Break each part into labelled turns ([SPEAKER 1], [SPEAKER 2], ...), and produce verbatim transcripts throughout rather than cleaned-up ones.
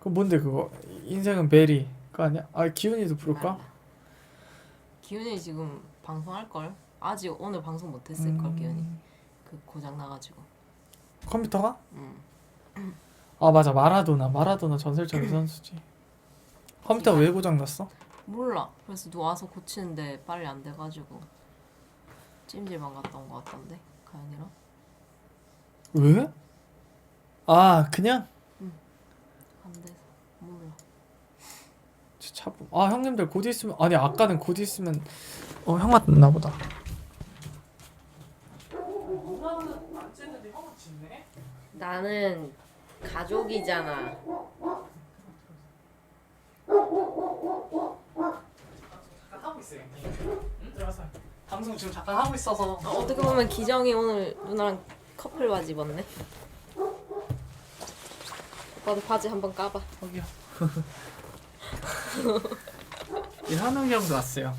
[SPEAKER 1] 그럼 뭔데 그거? 인생은 베리 그 아니야? 아 기훈이도 부를까?
[SPEAKER 2] 알라. 기훈이 지금 방송할걸? 아직 오늘 방송 못했을걸.
[SPEAKER 1] 음...
[SPEAKER 2] 기훈이 그 고장 나가지고.
[SPEAKER 1] 컴퓨터가?
[SPEAKER 2] 응.
[SPEAKER 1] 아 맞아 마라도나 마라도나 전설적인 선수지. 컴퓨터 왜 고장 났어?
[SPEAKER 2] 몰라. 그래서 누가 와서 고치는데 빨리 안 돼가지고 찜질방 갔다 온 거 같던데 가연이랑.
[SPEAKER 1] 왜? 아 그냥?
[SPEAKER 2] 안 돼서 몰라.
[SPEAKER 1] 차... 아 형님들 곧 있으면 아니 아까는 곧 있으면 어 형 맞나 보다. 누나는 안 쨌는데 형은 짖네?
[SPEAKER 2] 나는 가족이잖아.
[SPEAKER 1] 잠깐 하고 있어요. 응? 들어가서 방송 지금 잠깐 하고 있어서.
[SPEAKER 2] 아, 어떻게 보면 기정이 오늘 누나랑 커플 바지 입었네. 오빠도 바지 한번 까봐.
[SPEAKER 1] 저기요. 이 한웅이 형도 왔어요.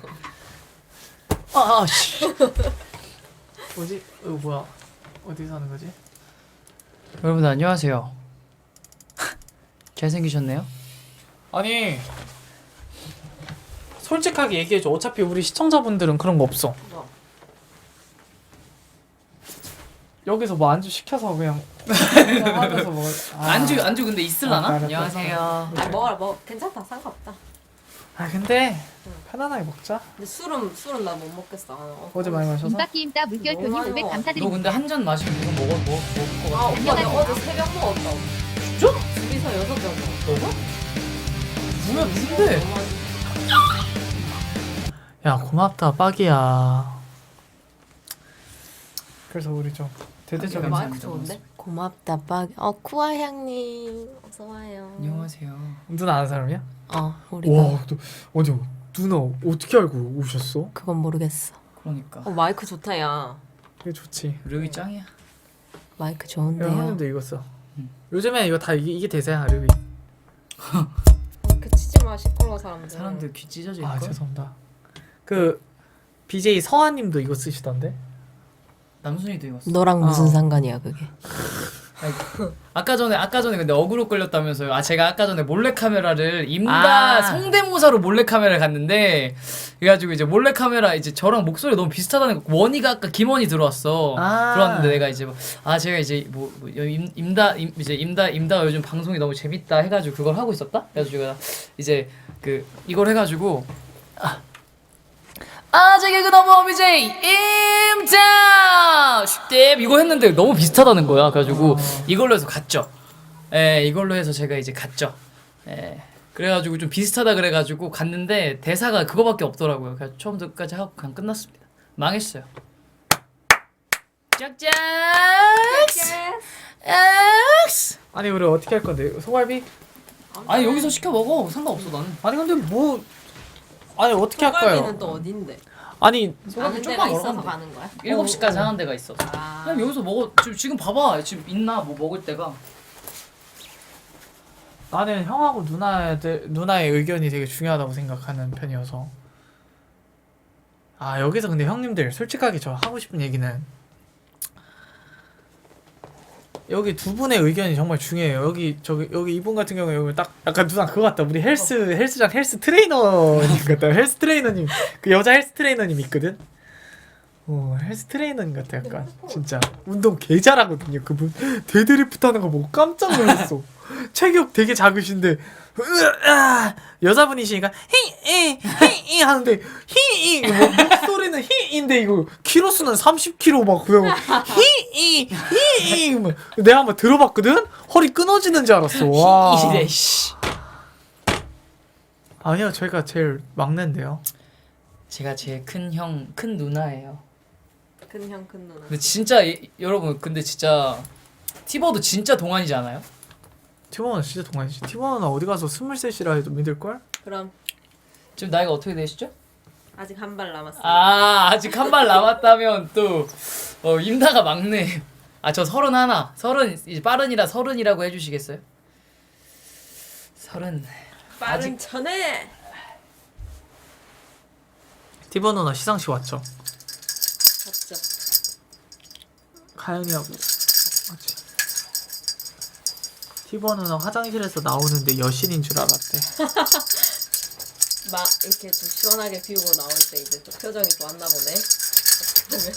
[SPEAKER 1] 아, 아 씨. 뭐지? 이거 뭐야? 어디 사는 거지?
[SPEAKER 3] 여러분 안녕하세요. 잘생기셨네요.
[SPEAKER 1] 아니 솔직하게 얘기해줘. 어차피 우리 시청자분들은 그런 거 없어.
[SPEAKER 2] 뭐?
[SPEAKER 1] 여기서 뭐 안주 시켜서 그냥 그냥 하면서 먹을. 아.
[SPEAKER 3] 안주 안주 근데 있을라나?
[SPEAKER 1] 아, 알았다.
[SPEAKER 3] 안녕하세요.
[SPEAKER 2] 아 먹어라 먹어. 괜찮다. 상관없다.
[SPEAKER 1] 아 근데
[SPEAKER 2] 응.
[SPEAKER 1] 편안하게 먹자.
[SPEAKER 2] 근데 술은 술은 나 못 먹겠어. 아, 어.
[SPEAKER 1] 어제 많이 마셔서.
[SPEAKER 4] 김밥기임따 물결표님
[SPEAKER 2] 너무
[SPEAKER 4] 오백
[SPEAKER 2] 많아.
[SPEAKER 3] 너
[SPEAKER 4] 감사드립니다.
[SPEAKER 3] 근데 한 잔 마시면 이거 먹어 먹을 것
[SPEAKER 2] 아
[SPEAKER 3] 같아.
[SPEAKER 2] 오빠 내가 어제 새벽 먹었다.
[SPEAKER 3] 진짜?
[SPEAKER 2] 둘이서 여섯 병 먹었어.
[SPEAKER 3] 너가? 뭐야 누군데?
[SPEAKER 2] 너무 많이-
[SPEAKER 1] 야 고맙다 빡이야. 그래서 우리 좀 대대적인
[SPEAKER 2] 마이크
[SPEAKER 3] 감사합니다.
[SPEAKER 2] 좋은데? 고맙다 빡. 어 쿠아 향님 어서 와요.
[SPEAKER 3] 안녕하세요.
[SPEAKER 1] 누나 아는 사람이야?
[SPEAKER 2] 어 우리가
[SPEAKER 1] 와, 너 아니 누나 어떻게 알고 오셨어?
[SPEAKER 2] 그건 모르겠어.
[SPEAKER 3] 그러니까
[SPEAKER 2] 어 마이크 좋다 야.
[SPEAKER 1] 그게 좋지.
[SPEAKER 3] 르기 짱이야.
[SPEAKER 2] 마이크
[SPEAKER 1] 야,
[SPEAKER 2] 좋은데요.
[SPEAKER 1] 형님도 이거 써.
[SPEAKER 3] 응.
[SPEAKER 1] 요즘에 이거 다 이게, 이게 대세야 르비.
[SPEAKER 2] 그 치지 마 시끄러워 사람들.
[SPEAKER 3] 사람들 귀 찢어질
[SPEAKER 1] 아
[SPEAKER 3] 걸.
[SPEAKER 1] 죄송합니다. 그 비제이 서한님도 이거 쓰시던데.
[SPEAKER 3] 남순이도 이거. 써.
[SPEAKER 2] 너랑 무슨
[SPEAKER 1] 어.
[SPEAKER 2] 상관이야 그게?
[SPEAKER 3] 아까 전에 아까 전에 근데 어그로 끌렸다면서요. 아 제가 아까 전에 몰래 카메라를 임다
[SPEAKER 1] 아.
[SPEAKER 3] 성대모사로 몰래 카메라를 갔는데 그래가지고 이제 몰래 카메라 이제 저랑 목소리 너무 비슷하다는 거. 원희가 아까 김원희 들어왔어.
[SPEAKER 1] 아.
[SPEAKER 3] 들어왔는데 내가 이제 뭐, 아 제가 이제 뭐, 뭐 임, 임다 임, 이제 임다 임다 요즘 방송이 너무 재밌다 해가지고 그걸 하고 있었다. 그래가지고 제가 이제 그 이걸 해가지고 아. 아재 개그 넘버 비제이 임자 슈텝 이거 했는데 너무 비슷하다는 거야. 그래가지고
[SPEAKER 1] 어.
[SPEAKER 3] 이걸로 해서 갔죠. 예, 이걸로 해서 제가 이제 갔죠. 예, 그래가지고 좀 비슷하다 그래가지고 갔는데 대사가 그거밖에 없더라고요. 그래서 처음부터까지 하고 그냥 끝났습니다. 망했어요. 짝짝. 엑스.
[SPEAKER 1] 아니 우리 어떻게 할 건데? 소갈비?
[SPEAKER 3] 아니 여기서 시켜 먹어. 상관없어 나는.
[SPEAKER 1] 아니 근데 뭐 아니 어떻게 할까요?
[SPEAKER 2] 소갈비는 또 어딘데?
[SPEAKER 1] 아니
[SPEAKER 2] 아는 데가 있어서 가는 거야?
[SPEAKER 3] 일곱 시까지 하는 데가 있어.
[SPEAKER 2] 아.
[SPEAKER 3] 그냥 여기서 먹어. 지금 지금 봐봐. 지금 있나 뭐 먹을 데가.
[SPEAKER 1] 나는 형하고 누나들 누나의 의견이 되게 중요하다고 생각하는 편이어서. 아 여기서 근데 형님들 솔직하게 저 하고 싶은 얘기는 여기 두 분의 의견이 정말 중요해요. 여기 저기 여기 이분 같은 경우에 여기 딱 약간 누나 그거 같다. 우리 헬스 헬스장 헬스 트레이너님 같다. 헬스 트레이너님 그 여자 헬스 트레이너님 있거든. 어 헬스 트레이너님 같아 약간 진짜 운동 개 잘하거든요. 그분 데드리프트 하는 거 보고 깜짝 놀랐어. 체격 되게 작으신데 으아, 여자분이시니까 히이 히이 하는데 히이 뭐 목소리는 히인데 이거 키로수는 삼십 킬로그램 막 그냥 히이 히이 막 내가 한번 들어봤거든. 허리 끊어지는 줄 알았어. 와.
[SPEAKER 3] 이래 씨.
[SPEAKER 1] 아니요 저희가 제일 막내인데요.
[SPEAKER 3] 제가 제일 큰 형, 큰 누나예요.
[SPEAKER 2] 큰 형 큰 누나.
[SPEAKER 3] 근데 진짜 이, 여러분 근데 진짜 티버도 진짜 동안이지 않아요?
[SPEAKER 1] 티원은 진짜 동안이지. 티원은 어디 가서 스물셋이라 해도 믿을걸?
[SPEAKER 2] 그럼
[SPEAKER 3] 지금 나이가 어떻게 되시죠?
[SPEAKER 2] 아직 한 발 남았어.
[SPEAKER 3] 아 아직 한 발 남았다면 또 어, 임다가 막내. 아 저 서른 하나, 서른 이제 빠른이라 서른이라고 해주시겠어요? 서른.
[SPEAKER 2] 빠른
[SPEAKER 3] 아직-
[SPEAKER 2] 전에.
[SPEAKER 1] 티원 누나 시상식 왔죠?
[SPEAKER 2] 맞죠.
[SPEAKER 1] 가연이하고 맞지? 티버 누나 화장실에서 나오는데 여신인 줄 알았대.
[SPEAKER 2] 막 이렇게 좀 시원하게 비우고 나올 때 이제 좀 표정이 좋았나 보네. 그러면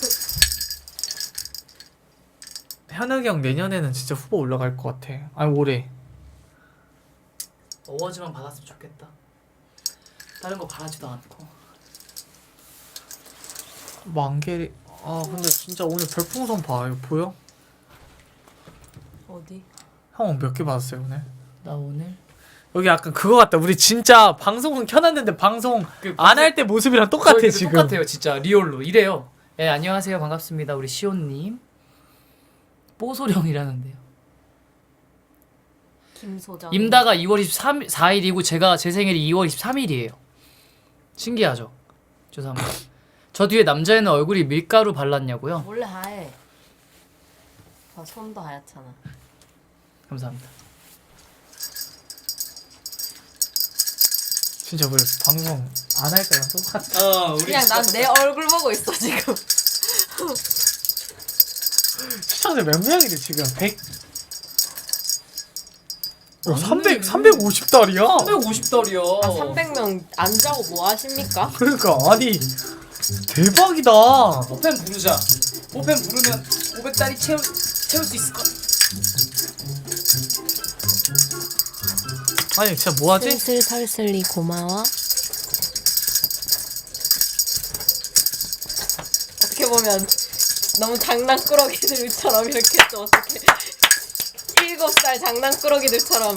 [SPEAKER 1] 현욱이 형 내년에는 진짜 후보 올라갈 것 같아. 아니 올해.
[SPEAKER 3] 어워즈만 받았으면 좋겠다. 다른 거 바라지도 않고.
[SPEAKER 1] 만개리. 아 근데 진짜 오늘 별풍선 봐. 이거 보여?
[SPEAKER 2] 어디?
[SPEAKER 1] 형 몇 개 받았어요 오늘?
[SPEAKER 3] 나 오늘
[SPEAKER 1] 여기 약간 그거 같다. 우리 진짜 방송은 켜놨는데 방송
[SPEAKER 3] 그
[SPEAKER 1] 안 할 때 모습이랑 똑같아
[SPEAKER 3] 저희
[SPEAKER 1] 지금.
[SPEAKER 3] 똑같아요, 진짜 리얼로 이래요. 예, 안녕하세요, 반갑습니다. 우리 시온님. 뽀소령이라는데요.
[SPEAKER 2] 김소장.
[SPEAKER 3] 임다가 이월 이십사일이고 제가 제 생일이 이월 이십삼일이에요. 신기하죠? 죄송합니다. 저 뒤에 남자애는 얼굴이 밀가루 발랐냐고요?
[SPEAKER 2] 원래 하얘. 아, 손도 하얗잖아.
[SPEAKER 3] 감사합니다.
[SPEAKER 1] 진짜 우리 방송 안 할 때랑 똑같아.
[SPEAKER 3] 어, 우리
[SPEAKER 2] 그냥 난 내 얼굴 보고 있어 지금.
[SPEAKER 1] 시청자 몇 명이래 지금? 백. 어, 삼백 삼백오십 달이야.
[SPEAKER 3] 삼백오십 달이요.
[SPEAKER 2] 아, 삼백 명 안 자고 뭐 하십니까?
[SPEAKER 1] 그러니까 아니 대박이다.
[SPEAKER 3] 포펜 부르자. 포펜 부르면 오백 달이 채우 채울 수 있을 것.
[SPEAKER 1] 아니 진짜 뭐하지?
[SPEAKER 2] 슬슬설슬리 고마워. 어떻게 보면 너무 장난꾸러기들처럼 이렇게 또 어떻게 일곱 살 장난꾸러기들처럼.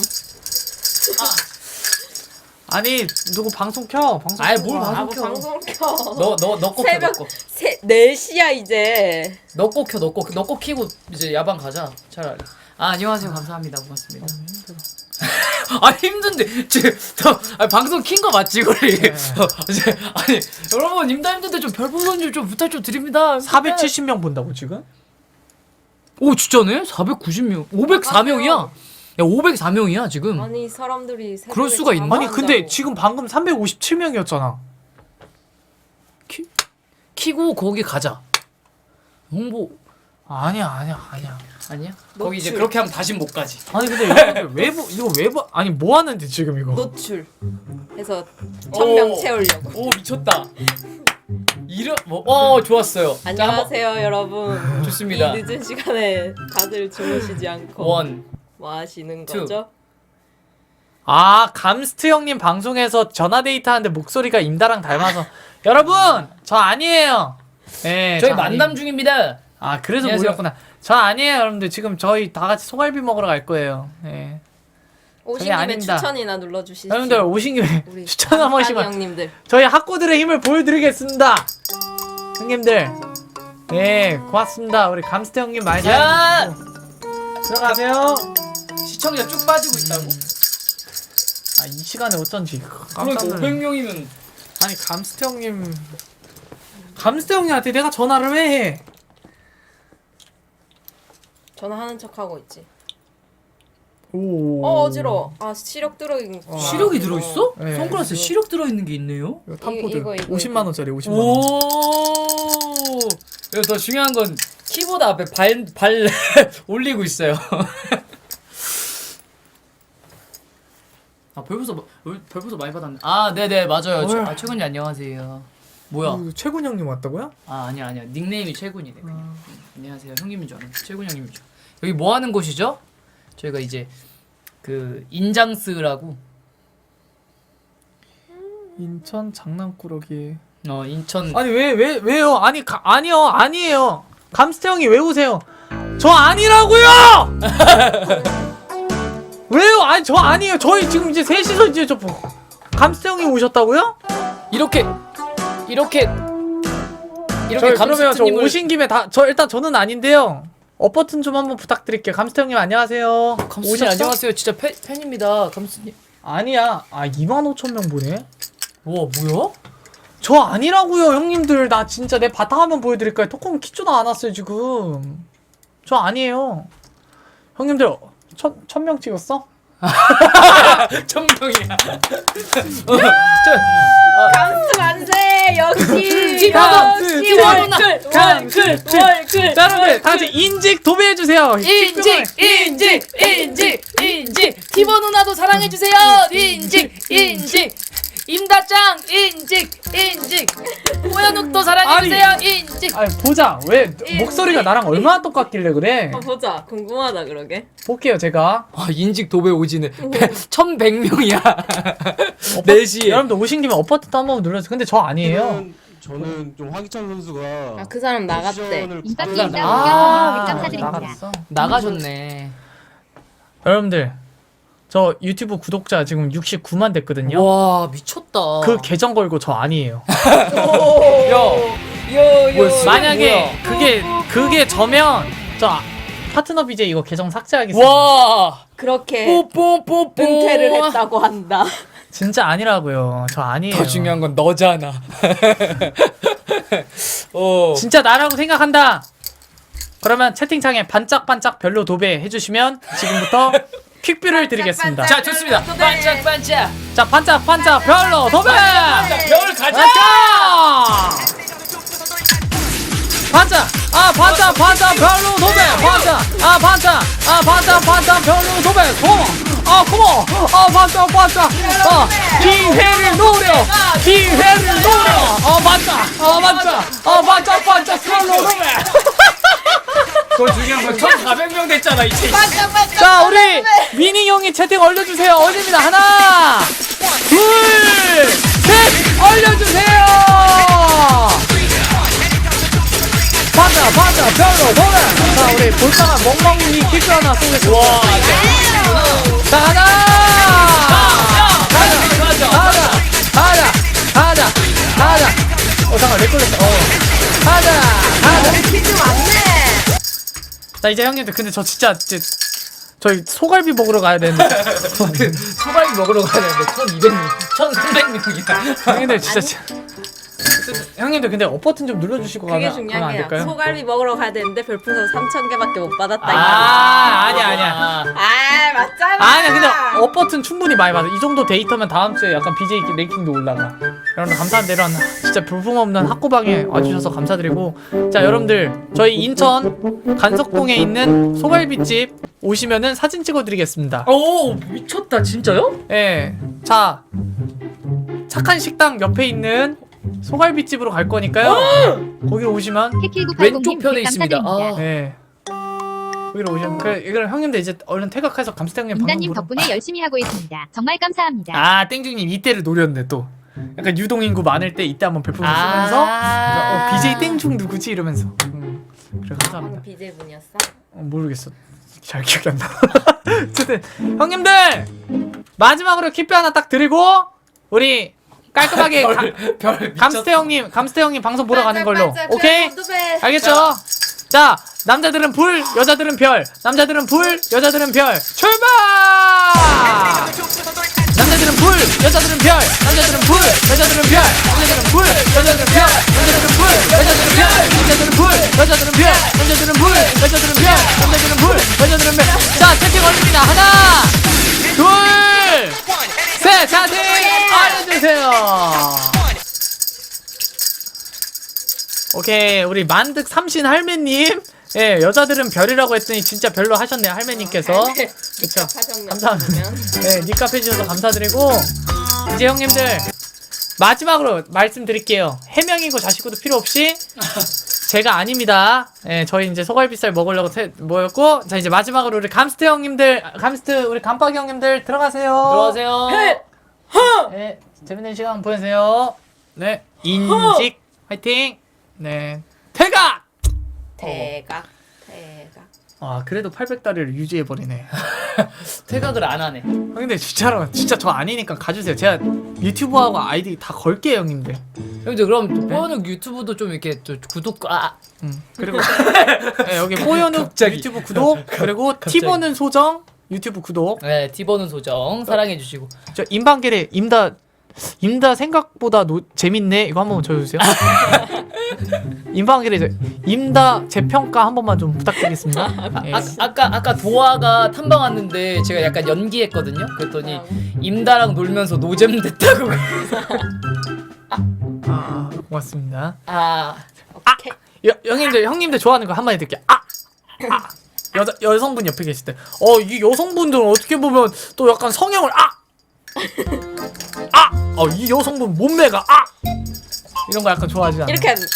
[SPEAKER 1] 아니 누구 방송 켜? 방송.
[SPEAKER 3] 아이,
[SPEAKER 1] 켜봐.
[SPEAKER 3] 뭘 방송
[SPEAKER 2] 아, 뭐
[SPEAKER 3] 켜.
[SPEAKER 2] 방송 켜.
[SPEAKER 3] 너너너꼭 켜.
[SPEAKER 2] 새벽 세, 네 시야 이제.
[SPEAKER 3] 너꼭 켜. 너꼭 너꼭 키고 이제 야방 가자. 차라리. 아, 안녕하세요. 감사합니다. 고맙습니다. 아, 힘든데 지금 저 아니, 방송 킨 거 맞지 우리?
[SPEAKER 1] 네.
[SPEAKER 3] 어, 이제 아니 여러분 임다 힘든데 좀 별풍선 좀, 좀 부탁 좀 드립니다.
[SPEAKER 1] 사백칠십 명 본다고 지금?
[SPEAKER 3] 오 진짜네? 사백구십 명, 오백사 명이야. 야 오백사 명이야 지금.
[SPEAKER 2] 아니 사람들이 새벽에
[SPEAKER 3] 그럴 수가 있나?
[SPEAKER 1] 아니 근데
[SPEAKER 2] 잠을
[SPEAKER 1] 지금 방금 삼백오십칠 명이었잖아.
[SPEAKER 3] 키, 키고 거기 가자. 홍보
[SPEAKER 1] 아니야 아니야 아니야.
[SPEAKER 3] 아니야?
[SPEAKER 2] 노출.
[SPEAKER 3] 거기 이제 그렇게 하면 다시 못 가지.
[SPEAKER 1] 아니 근데 이거 외부 이거 외부 아니 뭐 하는데 지금 이거?
[SPEAKER 2] 노출 해서 천 명
[SPEAKER 3] 오.
[SPEAKER 2] 채우려고.
[SPEAKER 3] 오 미쳤다. 이런 뭐어 좋았어요. 자,
[SPEAKER 2] 안녕하세요 여러분.
[SPEAKER 3] 한번 좋습니다.
[SPEAKER 2] 이 늦은 시간에 다들 주무시지 않고
[SPEAKER 3] 원.
[SPEAKER 2] 뭐 하시는
[SPEAKER 3] 투.
[SPEAKER 2] 거죠?
[SPEAKER 1] 아 감스트 형님 방송에서 전화 데이트 하는데 목소리가 임다랑 닮아서 여러분 저 아니에요. 네,
[SPEAKER 3] 저희
[SPEAKER 1] 저
[SPEAKER 3] 만남
[SPEAKER 1] 아니...
[SPEAKER 3] 중입니다.
[SPEAKER 1] 아 그래서
[SPEAKER 3] 안녕하세요.
[SPEAKER 1] 모였구나. 저 아니에요 여러분들 지금 저희 다 같이 소갈비 먹으러 갈 거예요. 네.
[SPEAKER 2] 오신
[SPEAKER 1] 저희
[SPEAKER 2] 김에
[SPEAKER 1] 아닙니다.
[SPEAKER 2] 추천이나 눌러주시죠.
[SPEAKER 1] 여러분들 오신 김에
[SPEAKER 2] 우리
[SPEAKER 1] 추천 한
[SPEAKER 2] 깜빡이
[SPEAKER 1] 번씩만
[SPEAKER 2] 형님들.
[SPEAKER 1] 저희 학고들의 힘을 보여드리겠습니다. 형님들 네 고맙습니다. 우리 감스트 형님 많이
[SPEAKER 3] 야!
[SPEAKER 1] 잘 들어가세요.
[SPEAKER 3] 시청자 쭉 빠지고 있다고?
[SPEAKER 1] 아 이 시간에 어쩐지 깜짝
[SPEAKER 3] 그러니까
[SPEAKER 1] 놀랐네.
[SPEAKER 3] 오백 명이면
[SPEAKER 1] 아니 감스트 형님 감스트 형님한테 내가 전화를 왜 해?
[SPEAKER 2] 전화하는 척 하고 있지.
[SPEAKER 1] 오.
[SPEAKER 2] 어 어지러워. 아 시력 들어있는 거.
[SPEAKER 3] 시력이 들어 있어?
[SPEAKER 1] 네.
[SPEAKER 3] 선글라스에
[SPEAKER 2] 이거.
[SPEAKER 3] 시력 들어 있는 게 있네요.
[SPEAKER 1] 이거 탑포드
[SPEAKER 2] 이거, 이거,
[SPEAKER 1] 오십만 원짜리 오십만 원.
[SPEAKER 3] 오. 그리고 더 중요한 건 키보드 앞에 발 발 올리고 있어요. 아 별풍선 마- 별풍선 많이 받았네. 아 네네 맞아요. 최, 아 최군이 안녕하세요. 뭐야?
[SPEAKER 1] 어, 최군 형님 왔다고요?
[SPEAKER 3] 아 아니야 아니야 닉네임이 최군이네. 그냥. 음, 안녕하세요 형님인 줄 알았는데 최군 형님이죠. 여기 뭐 하는 곳이죠? 저희가 이제 그 인장스라고
[SPEAKER 1] 인천 장난꾸러기.
[SPEAKER 3] 어 인천
[SPEAKER 1] 아니 왜 왜 왜, 요 아니 가, 아니요 아니에요. 감스트 형이 왜 오세요? 저 아니라고요. 왜요? 아니 저 아니에요. 저희 지금 이제 셋이서 이제 저 뭐- 감스트 형이 오셨다고요?
[SPEAKER 3] 이렇게 이렇게 이렇게
[SPEAKER 1] 저희 그러면 저
[SPEAKER 3] 감스트님을
[SPEAKER 1] 오신 김에 다 저 일단 저는 아닌데요. 업 버튼 좀 한번 부탁드릴게요. 감스트 형님 안녕하세요.
[SPEAKER 3] 감스님
[SPEAKER 1] 오셨어?
[SPEAKER 3] 안녕하세요. 진짜 팬, 팬입니다. 감스님.
[SPEAKER 1] 아니야. 아 이만 오천 명 보네.
[SPEAKER 3] 와 뭐야?
[SPEAKER 1] 저 아니라고요 형님들. 나 진짜 내 바탕화면 보여드릴까요? 토콩 키조도 안 왔어요 지금. 저 아니에요. 형님들 천, 천 명 찍었어?
[SPEAKER 3] 천명이야.
[SPEAKER 2] 감스 만세 역시 역시
[SPEAKER 3] 티버너,
[SPEAKER 2] 역시
[SPEAKER 3] 티버너,
[SPEAKER 2] 월클
[SPEAKER 3] 강클,
[SPEAKER 2] 월클 월클.
[SPEAKER 1] 자 여러분들 다 같이 인직 도배해주세요.
[SPEAKER 3] 인직 인직 인직 인직 티버 누나도 사랑해주세요. 인직 인직 임다짱 인직 인직 호연욱도 사랑해주세요. 인직.
[SPEAKER 1] 아 보자 왜
[SPEAKER 2] 인직.
[SPEAKER 1] 목소리가 나랑 얼마나 똑같길래 그래.
[SPEAKER 2] 어, 보자 궁금하다 그러게.
[SPEAKER 1] 볼게요 제가.
[SPEAKER 3] 아 인직 도배 오지는 천백 명이야. 네 시에.
[SPEAKER 1] 여러분들 오신 김에 어퍼트도 한번 눌러주세요. 근데 저 아니에요.
[SPEAKER 4] 저는 좀 황희찬 선수가
[SPEAKER 2] 아 그 사람 나갔대.
[SPEAKER 4] 포지션을
[SPEAKER 5] 이박
[SPEAKER 4] 바꾸자.
[SPEAKER 5] 인정.
[SPEAKER 3] 아,
[SPEAKER 5] 점 사드립니다.
[SPEAKER 1] 나갔어.
[SPEAKER 3] 나가셨네.
[SPEAKER 1] 여러분들 저 유튜브 구독자 지금 육십구만 됐거든요.
[SPEAKER 3] 와 미쳤다.
[SPEAKER 1] 그 계정 걸고 저 아니에요.
[SPEAKER 3] 요요요.
[SPEAKER 1] 만약에 그게 그게 저면 저 파트너 비제이 이거 계정 삭제하겠습니다.
[SPEAKER 3] 와
[SPEAKER 2] 그렇게
[SPEAKER 3] 뽀뽀뽀뽀
[SPEAKER 2] 은퇴를 했다고 한다.
[SPEAKER 1] 진짜 아니라고요. 저 아니에요.
[SPEAKER 3] 더 중요한 건 너잖아. 어.
[SPEAKER 1] 진짜 나라고 생각한다. 그러면 채팅창에 반짝반짝 별로 도배 해주시면 지금부터 퀵뷰를 드리겠습니다.
[SPEAKER 3] 자 좋습니다. 반짝 반짝.
[SPEAKER 1] 자 반짝반짝 별로 도배.
[SPEAKER 3] 별 가자.
[SPEAKER 1] 반짝 아 반짝 반짝 별로 도배 반짝 아 반짝 아 반짝 반짝 별로 도배 고모 아 고모 아 반짝 반짝 아 기회를 노려 기회를 노려 아 반짝 아 반짝 아 반짝 반짝 별로 도배.
[SPEAKER 3] 더 중요한 건 천사백 명 됐잖아 이제.
[SPEAKER 1] 자 우리 미니 형이 채팅 올려주세요. 올립니다. 하나 둘셋 올려주세요. 반자 반자 별로 도래. 자 우리 볼빵한 멍멍이 퀴즈 하나 쏘겠습니다. 자 하나 가자 가자 가자 가자 가자. 어 잠깐 렉 걸렸어. 어 가자 가자.
[SPEAKER 2] 퀴즈 왔네.
[SPEAKER 1] 자 이제 형님들 근데 저 진짜 이제 저희 소갈비 먹으러 가야 되는데
[SPEAKER 3] 소갈비 먹으러 가야 되는데 천이백 명, 천삼백 명이야.
[SPEAKER 1] 형님들 진짜 진- 형님들 근데 업 버튼 좀 눌러주시고
[SPEAKER 2] 그게
[SPEAKER 1] 가면,
[SPEAKER 2] 중요한
[SPEAKER 1] 가면 안
[SPEAKER 2] 게야.
[SPEAKER 1] 될까요?
[SPEAKER 2] 소갈비 먹으러 가야 되는데 별풍선 삼천 개밖에 못 받았다.
[SPEAKER 1] 아 아니야 아니야
[SPEAKER 2] 아 맞잖아.
[SPEAKER 1] 아니야 근데 업 버튼 충분히 많이 받아. 이 정도 데이터면 다음 주에 약간 비제이 랭킹도 올라가. 여러분들 감사합니다. 이런 진짜 볼품없는 학고방에 와주셔서 감사드리고, 자 여러분들 저희 인천 간석동에 있는 소갈비집 오시면은 사진 찍어드리겠습니다.
[SPEAKER 3] 오 미쳤다 진짜요?
[SPEAKER 1] 예. 자 착한 식당 옆에 있는 소갈비집으로 갈 거니까요. 거기로 오시면
[SPEAKER 3] 왼쪽 편에 있습니다. 아.
[SPEAKER 1] 예. 거기로 오시면 그래 이걸 형님들 이제 얼른 퇴각해서 감스테 형님 방송
[SPEAKER 5] 임다님
[SPEAKER 1] 보러.
[SPEAKER 5] 덕분에 열심히 하고 있습니다. 정말 감사합니다.
[SPEAKER 1] 아 땡중님 이때를 노렸네 또. 약간 유동인구 많을 때 이때 한번 별풍선 쓰면서
[SPEAKER 3] 아.
[SPEAKER 1] 어, 비제이 땡중 누구지 이러면서. 음, 그래 감사합니다.
[SPEAKER 2] 비제이 분이었어?
[SPEAKER 1] 어, 모르겠어. 잘 기억이 안 나. 어쨌든 형님들 마지막으로 킵뷰 하나 딱 드리고 우리 깔끔하게 가,
[SPEAKER 3] 별, 별
[SPEAKER 1] 감스테 형님 감스테 형님 방송 보러 가는 걸로. 오케이?
[SPEAKER 2] 오케이.
[SPEAKER 1] 알겠죠? 자 남자들은 불 여자들은 별 남자들은 불 여자들은 별 출발. 남자들은 불 여자들은 별 남자들은 불 여자들은 별 남자들은 불 여자들은 별 남자들은 불 여자들은 별 남자들은 불 여자들은 별 남자들은 불 여자들은 별 남자들은 불 여자들은 별. 자 채팅 올립니다. 하나 둘셋 채팅 알려주세요. 오케이 우리 만득 삼신 할매님, 예 여자들은 별이라고 했더니 진짜 별로 하셨네요 할매님께서. 그쵸.
[SPEAKER 2] 하셨네.
[SPEAKER 1] 감사합니다. 네 니값 해주셔서 감사드리고, 이제 형님들 마지막으로 말씀드릴게요. 해명이고 자시고도 필요 없이 제가 아닙니다. 예 저희 이제 소갈비살 먹으려고 태, 모였고, 자 이제 마지막으로 우리 감스트 형님들 감스트 우리 감빡이 형님들 들어가세요.
[SPEAKER 3] 들어가세요.
[SPEAKER 1] 네 재밌는 시간 보내세요. 네 인직 화이팅. 네 퇴각.
[SPEAKER 2] 대각 대각.
[SPEAKER 1] 아 그래도 팔백 달러를 유지해버리네.
[SPEAKER 3] 퇴각을 안 하네.
[SPEAKER 1] 형님들 진짜로 진짜 저 아니니까 가주세요. 제가 유튜브하고 아이디 다 걸게요 형님들.
[SPEAKER 3] 형들 그럼 뽀연욱 유튜브도 좀 이렇게 좀 구독 아
[SPEAKER 1] 음 그리고 네, 여기 뽀연욱
[SPEAKER 3] 갑자기.
[SPEAKER 1] 유튜브 구독, 그리고
[SPEAKER 3] 갑자기.
[SPEAKER 1] 티버는 소정 유튜브 구독.
[SPEAKER 3] 네 티버는 소정 사랑해 주시고.
[SPEAKER 1] 저 임방길에 임다 임다 생각보다 노, 재밌네 이거 한 번만 쳐주세요. 임방길에 저 임다 재평가 한 번만 좀 부탁드리겠습니다. 예.
[SPEAKER 3] 아, 아까 아까 도아가 탐방 왔는데 제가 약간 연기했거든요. 그랬더니 임다랑 놀면서 노잼 됐다고.
[SPEAKER 1] 아 고맙습니다.
[SPEAKER 3] 아
[SPEAKER 2] 오케이.
[SPEAKER 1] 여, 형님들 형님들 좋아하는 거 한마디 드릴게요. 아! 아! 여자 여성분 옆에 계실 때, 어 이 여성분들은 어떻게 보면 또 약간 성형을 아! 아! 어 이 여성분 몸매가 아! 이런 거 약간 좋아하지 않아요?
[SPEAKER 2] 이렇게 하는.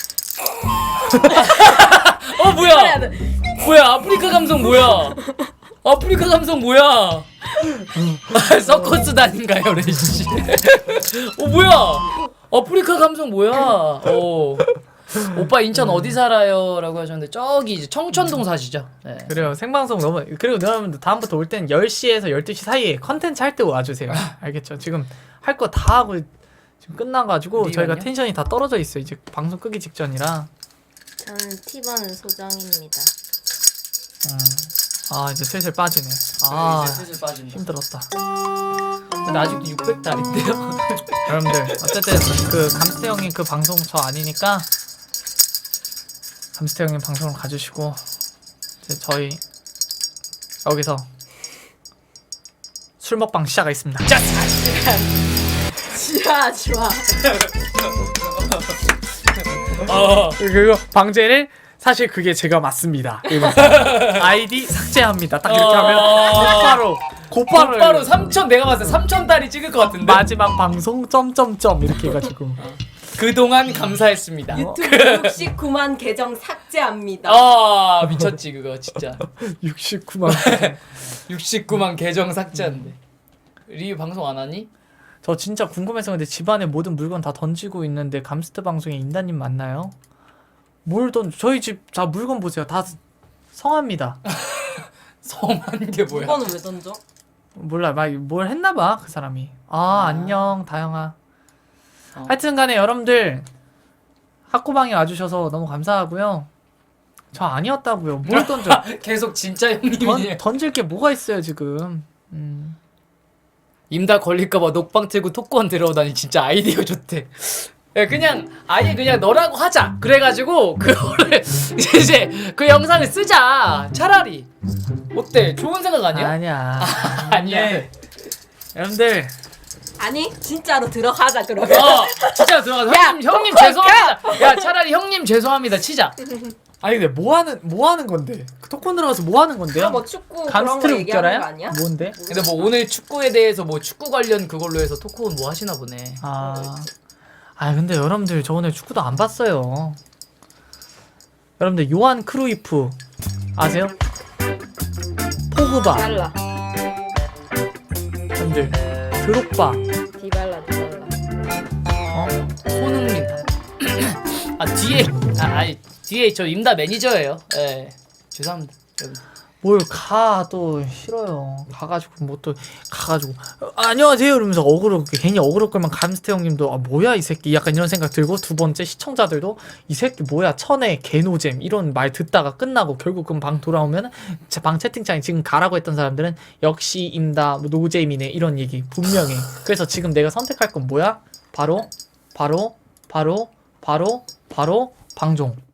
[SPEAKER 3] 어
[SPEAKER 2] 이렇게 해야
[SPEAKER 3] 뭐야?
[SPEAKER 2] 돼.
[SPEAKER 3] 뭐야? 아프리카 감성 뭐야? 아프리카 감성 뭐야? 아, 서커스 단인가요, 레이씨? 어 뭐야? 아프리카 감성 뭐야? 어. 오빠 인천 어디 살아요?라고 하셨는데 저기 이제 청천동 사시죠? 네.
[SPEAKER 1] 그래요. 생방송 너무 그리고 여러분들 다음부터 올 땐 열 시에서 열두 시 사이에 컨텐츠 할 때 와주세요. 알겠죠? 지금 할 거 다 하고 지금 끝나가지고
[SPEAKER 3] 리만요?
[SPEAKER 1] 저희가 텐션이 다 떨어져 있어요. 이제 방송 끄기 직전이라.
[SPEAKER 2] 저는 티바는 소장입니다.
[SPEAKER 1] 음. 아 이제 슬슬 빠지네. 아
[SPEAKER 3] 이제 슬슬 빠진다.
[SPEAKER 1] 힘들었다.
[SPEAKER 3] 근데 아직도 육백 달인데요?
[SPEAKER 1] 여러분들 어쨌든 그 감스테 형님 그 방송 저 아니니까 감스테 형님 방송을 가주시고 이제 저희 여기서 술 먹방 시작하겠습니다. 자!
[SPEAKER 2] 지하지 마.
[SPEAKER 3] 어.
[SPEAKER 1] 그리고 방제를 사실 그게 제가 맞습니다. 이러면서 아이디 삭제합니다. 딱 이렇게 하면 곧바로 곧바로
[SPEAKER 3] 곧바로 삼천 내가 봤을 때 삼천 달이 찍을 것 같은데.
[SPEAKER 1] 마지막 방송 점점점 이렇게 해가지고
[SPEAKER 3] 그동안 감사했습니다.
[SPEAKER 2] 유튜브 육십구만 계정 삭제합니다.
[SPEAKER 3] 아 미쳤지 그거 진짜.
[SPEAKER 1] 육십구만.
[SPEAKER 3] 육십구만 계정 삭제한대. 리뷰 방송 안 하니?
[SPEAKER 1] 저 진짜 궁금해서 근데 집안에 모든 물건 다 던지고 있는데 감스트 방송에 인다님 맞나요? 뭘 던? 저희 집 다 물건 보세요. 다 성합니다.
[SPEAKER 3] 성한 게 뭐야?
[SPEAKER 2] 이거는 왜 던져?
[SPEAKER 1] 몰라, 막 뭘 했나봐 그 사람이. 아,
[SPEAKER 3] 아.
[SPEAKER 1] 안녕 다영아.
[SPEAKER 3] 어.
[SPEAKER 1] 하여튼간에 여러분들 학고방에 와주셔서 너무 감사하고요. 저 아니었다고요. 뭘 던져?
[SPEAKER 3] 계속 진짜
[SPEAKER 1] 던,
[SPEAKER 3] 형님이
[SPEAKER 1] 던질 게 뭐가 있어요 지금. 음.
[SPEAKER 3] 임다 걸릴까봐 녹방 틀고 토크원 들어오다니 진짜 아이디어 좋대. 야, 그냥 아예 그냥 너라고 하자. 그래가지고 그거를 이제 그 영상을 쓰자. 차라리 어때? 좋은 생각 아니야?
[SPEAKER 1] 아니야.
[SPEAKER 3] 아니야.
[SPEAKER 1] 네. 여러분들
[SPEAKER 2] 아니 진짜로 들어가자 그러면.
[SPEAKER 3] 어 진짜 들어가서
[SPEAKER 2] 야,
[SPEAKER 3] 형님 형님
[SPEAKER 2] 토크
[SPEAKER 3] 죄송합니다. 야 차라리 형님 죄송합니다 치자.
[SPEAKER 1] 아니 근데 뭐 하는 뭐 하는 건데? 그 토큰 들어가서 뭐 하는 건데요?
[SPEAKER 2] 뭐 축구 그런 거
[SPEAKER 1] 감스트를
[SPEAKER 2] 얘기하는
[SPEAKER 1] 웃겨라요?
[SPEAKER 2] 거 아니야?
[SPEAKER 1] 뭔데?
[SPEAKER 3] 근데 뭐 오늘 축구에 대해서 뭐 축구 관련 그걸로 해서 토크온 뭐 하시나 보네.
[SPEAKER 1] 아, 아 근데 여러분들 저 오늘 축구도 안 봤어요. 여러분들 요한 크루이프 아세요? 포그바,
[SPEAKER 2] 달라.
[SPEAKER 1] 여러분들 드록바,
[SPEAKER 2] 디발라 디발라.
[SPEAKER 1] 어?
[SPEAKER 3] 손흥민. 아 뒤에 아 아니 뒤에 저 임다 매니저예요. 예 죄송합니다. 여러분.
[SPEAKER 1] 뭘 가 또 싫어요. 가가지고 뭐 또 가가지고 어, 안녕하세요 이러면서 어그로 괜히 어그로 끌면 감스테 형님도 아 뭐야 이 새끼 약간 이런 생각 들고 두 번째 시청자들도 이 새끼 뭐야 천에 개노잼 이런 말 듣다가 끝나고 결국 그럼 방 돌아오면 제 방 채팅창에 지금 가라고 했던 사람들은 역시 임다 뭐 노잼이네 이런 얘기 분명해. 그래서 지금 내가 선택할 건 뭐야? 바로 바로 바로 바로 바로 방종.